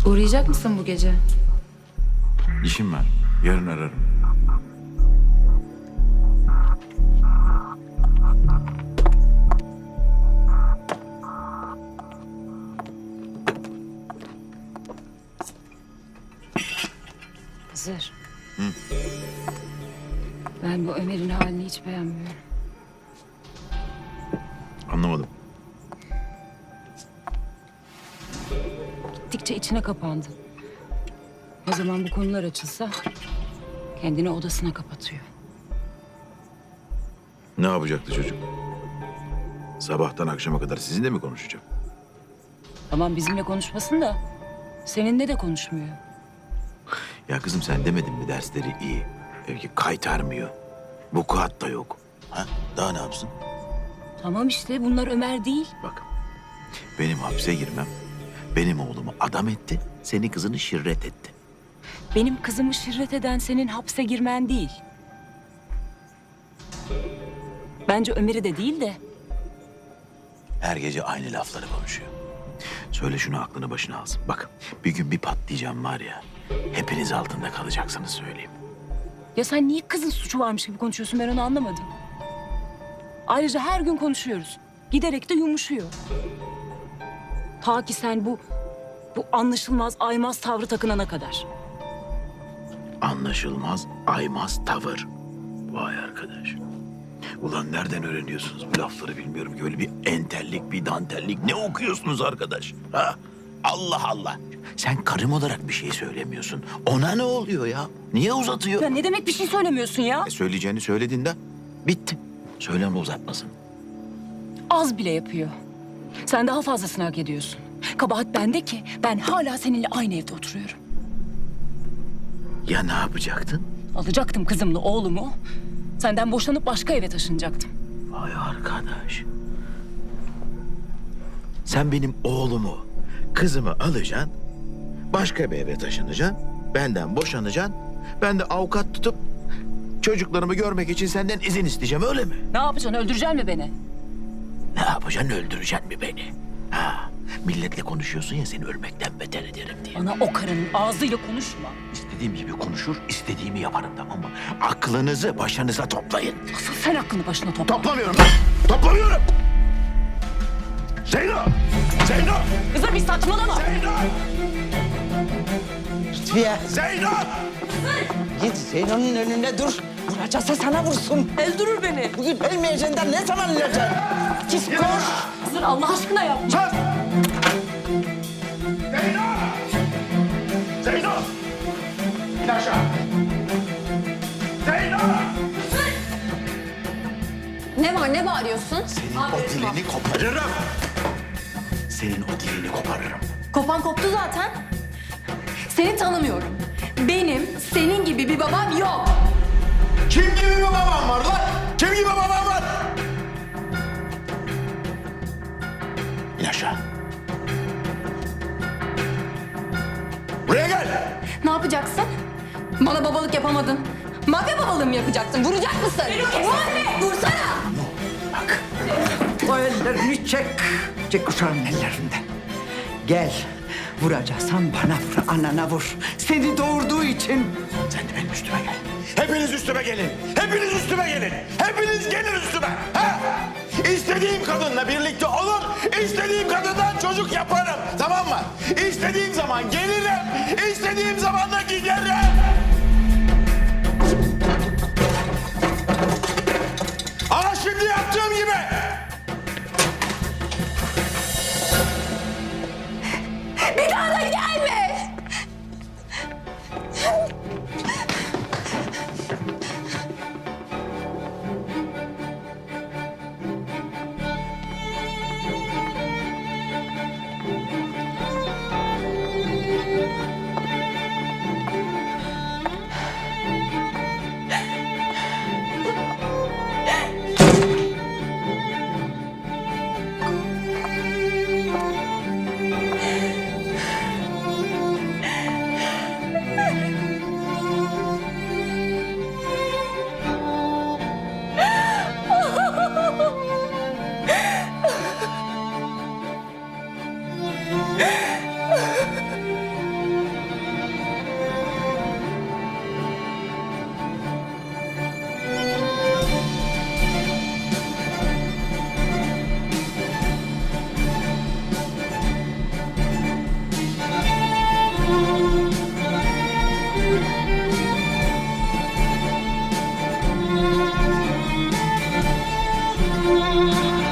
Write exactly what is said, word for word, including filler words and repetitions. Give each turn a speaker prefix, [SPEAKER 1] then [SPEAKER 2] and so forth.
[SPEAKER 1] Uğrayacak mısın bu gece?
[SPEAKER 2] İşim var. Yarın ararım.
[SPEAKER 1] Hızır. Ben bu Ömer'in halini hiç beğenmiyorum.
[SPEAKER 2] Anlamadım.
[SPEAKER 1] Gittikçe içine kapandın. O zaman bu konular açılsa kendini odasına kapatıyor.
[SPEAKER 2] Ne yapacaktı çocuk? Sabahtan akşama kadar sizinle mi konuşacak?
[SPEAKER 1] Tamam bizimle konuşmasın da seninle de konuşmuyor.
[SPEAKER 2] Ya kızım sen demedin mi dersleri iyi? Belki kaytarmıyor. Vukuat da yok. Ha? Daha ne yapsın?
[SPEAKER 1] Tamam işte bunlar Ömer değil.
[SPEAKER 2] Bak, benim hapse girmem, benim oğlumu adam etti, senin kızını şirret etti.
[SPEAKER 1] Benim kızımı şirret eden senin hapse girmen değil. Bence Ömer'i de değil de
[SPEAKER 2] Her gece aynı lafları konuşuyor. Söyle şunu aklını başına alsın. Bak, bir gün bir patlayacağım var ya, hepiniz altında kalacaksınız söyleyeyim.
[SPEAKER 1] ya sen niye kızın suçu varmış gibi konuşuyorsun ben onu anlamadım. Ayrıca her gün konuşuyoruz. Giderek de yumuşuyor. Ta ki sen bu bu anlaşılmaz aymaz tavrı takınana kadar.
[SPEAKER 2] Anlaşılmaz, aymaz tavır. Vay arkadaş. Ulan nereden öğreniyorsunuz bu lafları bilmiyorum ki. Öyle bir entellik, bir dantellik. Ne okuyorsunuz arkadaş? Ha? Allah Allah. Sen karım olarak bir şey söylemiyorsun. Ona ne oluyor ya? Niye uzatıyor?
[SPEAKER 1] Ya ne demek bir şey söylemiyorsun ya?
[SPEAKER 2] E, söyleyeceğini söyledin de bitti. Söyleme uzatmasın.
[SPEAKER 1] Az bile yapıyor. Sen daha fazlasını hak ediyorsun. Kabahat bende ki ben hala seninle aynı evde oturuyorum.
[SPEAKER 2] Ya ne yapacaktın?
[SPEAKER 1] Alacaktım kızımla oğlumu. Senden boşanıp başka eve taşınacaktım.
[SPEAKER 2] Vay arkadaş. Sen benim oğlumu, kızımı alacaksın. Başka bir eve taşınacaksın. Benden boşanacaksın. Ben de avukat tutup çocuklarımı görmek için senden izin isteyeceğim, öyle mi?
[SPEAKER 1] Ne yapacaksın? Öldüreceksin mi beni?
[SPEAKER 2] Ne yapacaksın, öldüreceksin mi beni? Ha, milletle konuşuyorsun ya, seni ölmekten beter ederim diye.
[SPEAKER 1] Bana o karının ağzıyla konuşma.
[SPEAKER 2] İstediğim gibi konuşur, istediğimi yaparım, tamam mı? Aklınızı başınıza toplayın.
[SPEAKER 1] Asıl sen aklını başına topla.
[SPEAKER 2] Toplamıyorum lan! Toplamıyorum! Zeyno! Zeyno!
[SPEAKER 1] Kızım bir saçmalama.
[SPEAKER 2] Zeyno!
[SPEAKER 3] Lütfiye,
[SPEAKER 2] Zeyno!
[SPEAKER 3] git Zeyno'nun önünde dur. Vuracaksa sana vursun.
[SPEAKER 1] Öldürür beni.
[SPEAKER 3] Bugün ölmeyeceğinden ne zaman öleceksin? Git koş.
[SPEAKER 1] Hızır Allah aşkına yapma.
[SPEAKER 2] Sus! Zeyno! Zeyno! İn aşağı! Zeyno!
[SPEAKER 4] Ne var, ne bağırıyorsun?
[SPEAKER 2] Senin o dilini koparırım. Senin o dilini koparırım.
[SPEAKER 4] Kopan koptu zaten. Seni tanımıyorum. Benim senin gibi bir babam yok.
[SPEAKER 2] Kim gibi bir babam var lan? Kim gibi babam var? İn aşağı. Buraya gel.
[SPEAKER 4] Ne yapacaksın? Bana babalık yapamadın. Mafya babalığı mı yapacaksın? Vuracak mısın? Anne! Vursana!
[SPEAKER 2] Bak.
[SPEAKER 3] O ellerini çek. Çek uşağın ellerinden. Gel. Vuracaksan bana vur, anana vur. Seni doğurduğu için.
[SPEAKER 2] Sen de benim üstüme gel. Hepiniz üstüme gelin. Hepiniz üstüme gelin. Hepiniz gelin üstüme. Ha? İstediğim kadınla birlikte olun. İstediğim kadından çocuk yaparım. Tamam mı? İstediğim zaman gelirim. İstediğim zaman da giderim. Ama şimdi yaptığım gibi.
[SPEAKER 4] Bir daha da gelme!
[SPEAKER 1] Aa!